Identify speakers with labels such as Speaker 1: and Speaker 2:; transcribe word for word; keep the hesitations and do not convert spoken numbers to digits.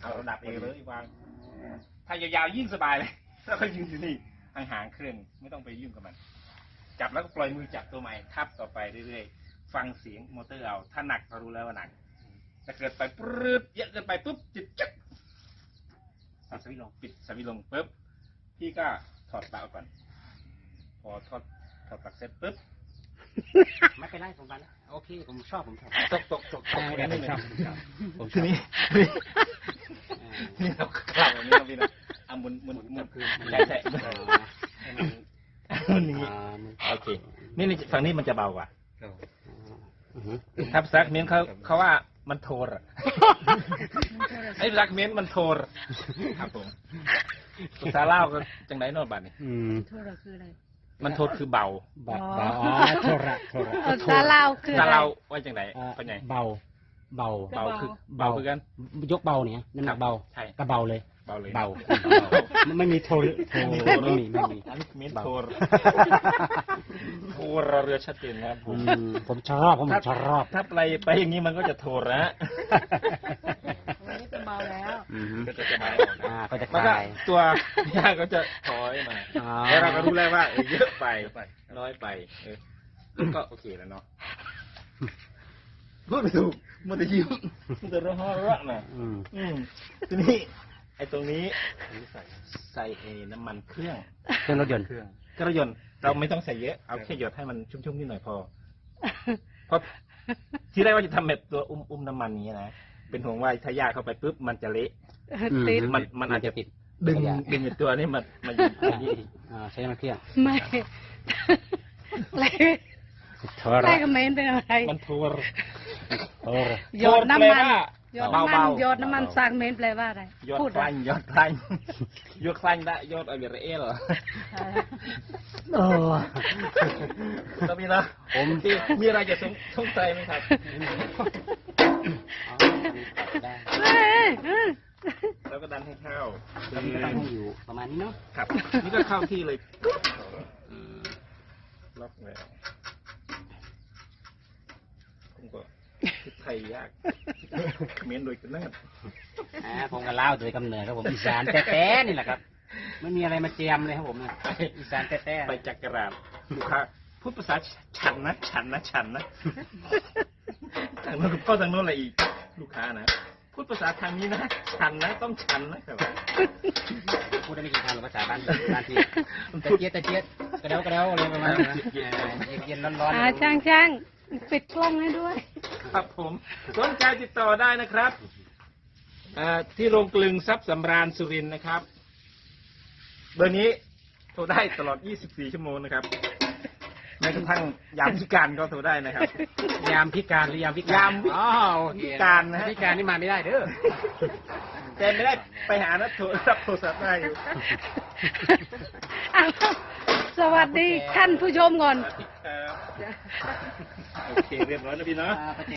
Speaker 1: เอาระดับเอเลยวางถ้ายาวๆยิ่งสบายเลยแล้วก็ยืนอยู่นี่ห่างๆเครื่องไม่ต้องไปยุ่งกับมันจับแล้วก็ปล่อยมือจับตัวใหม่ทับต่อไปเรื่อยๆฟังเสียงมอเตอร์เอาถ้าหนักก็รู้แล้วว่าหนักถ้าเกิดไปปรื๊ดเยอะเกินไปปุ๊บจิตจับปิดสวิตช์ลงปิดสวิตช์ลงปุ๊บพี่ก็ถอดปลั๊กก่อนพอถอดถอดปลั๊กเสร็จปุ๊บ
Speaker 2: ไม่เป็นไรผมไปแล้วโอเคผมชอบผมชอบ
Speaker 1: ตกตกตกตกไม่ชอบผมทีนี้นี่เรากล่าวแบบนี้นะพี่นะเอามุนมุนมุนใช่ใช่มันอย่างนี้โอเคนี่นี่ฝั่งนี้มันจะเบากว่าถ้าซักเม้นเขาเขาว่ามันโทรไอ้ซักเม้นมันโทรครับผมภาษาเล่าก็จังไหนโน่นบ้านนี่
Speaker 3: โทรคืออะไร
Speaker 1: มันโทรคือเบา
Speaker 2: เบาอ๋อโทรโทร
Speaker 3: ภาษาเล่าคือ
Speaker 1: ภาษาเล่าว่าจังไหนเป็นไง
Speaker 2: เบาเบา
Speaker 1: เบาคือเบาคือกัน
Speaker 2: ยกเบาเนี่ยน้ำหนักเบา
Speaker 1: ใช่
Speaker 2: ก็เบาเลย
Speaker 1: เบาเลย
Speaker 2: เบาไม่มีโทรโทรไม่มีไม่มี
Speaker 1: อันนี้เม้นโทรโทรเรือชัดเจนนะครับผม
Speaker 2: ผมชอบผมชอบ
Speaker 1: ถ้าไปไปอย่างนี้มันก็จะโทรนะ
Speaker 3: วันนี้เป็นเบาแล้ว
Speaker 1: ก็จะเบา
Speaker 2: อ่าก็จะคลาย
Speaker 1: ตัวยาก็จะถอยมาแล้วเราก็รู้แล้วว่าเยอะไปน้อยไปก็โอเคแล้วเนาะพูดไม่ถูกมันจะยิ้มมันจะร้องร้องนะอืมทีนี้ไอ้ตรงนี้ใส่ใส่เอน้ำมันเครื่อง
Speaker 2: เครื่องรถยนต์
Speaker 1: เครื่องเครื่องรถยนต์เราไม่ต้องใส่เยอะเอาแค่หยดให้มันชุ่มๆนิดหน่อยพอเพราะที่แรกว่าจะทำแบบตัวอุ้มอุ้มน้ำมันนี้นะเป็นห่วงว่าถ้ายาเข้าไปปุ๊บมันจะเละมันมันอาจจะติดดึงดึงตัวนี้มันมัน
Speaker 2: ใช้น้ำมันเครื่อง
Speaker 3: ไม่อะไรอะไรก็ไม่เป็นอะไร
Speaker 1: มันโทร
Speaker 3: หยดน้ำมันหยดน้ำมันหยดน้ำมันซักเมนแปลว่าอะไร
Speaker 1: หยดคลังหยดคลังหยดคลังได้หยดอะไรเอเหรอ
Speaker 2: โอ้
Speaker 1: ต้องมีนะผมมีอะไรจะสงสัยไหมครับแล้วก็ดันให้เข้า
Speaker 2: แล้วมันก็ต้องอยู่ประมาณนี้เนาะ
Speaker 1: ครับนี่ก็เข้าที่เลยล็อกแล้วผมก็ไทยยากเมียนโดยกันแน่
Speaker 2: ผมก็เล่าโดยกำเนิดครับผมอีสานแท้ๆนี่แหละครับไม่มีอะไรมาเจียมเลยครับผมอีสานแท้ๆ
Speaker 1: ไปจักรราบลูกค้าพูดภาษาฉันนะฉันนะฉันนะทางโน้นก็ทางโน้นอะไรอีกลูกค้านะพูดภาษาทางนี้นะฉันนะต้องฉันนะครับ
Speaker 2: พูดได้ไม่กี่คำหรอกภาษาบ้านบ้านที่ตะเกียตะเกียกระเดากระเดาอะไรประมาณนี้เย็นๆร้อน
Speaker 3: ๆช่างช่างปิดกล้องให้ด้วย
Speaker 1: ครับผมสนใจติดต่อได้นะครับที่โรงกลึงทรัพย์สำราญสุรินทร์นะครับเบอร์นี้โทรได้ตลอดยี่สิบสี่ชั่วโมงนะครับแม้กระทั่งยามพิการก็โทรได้นะครับ
Speaker 2: ยามพิการหรือยามพิการ
Speaker 1: ยามพิการนะ
Speaker 2: พิการนี่มาไม่ได้เด้อ
Speaker 1: แต่ไม่ได้ไปหานัดโทรศัพท์โทรศัพท์ได้อยู่
Speaker 3: สวัสดีท่านผู้ชมก่อน
Speaker 1: โอเคเรียบร้อยแล้วพี่เนาะ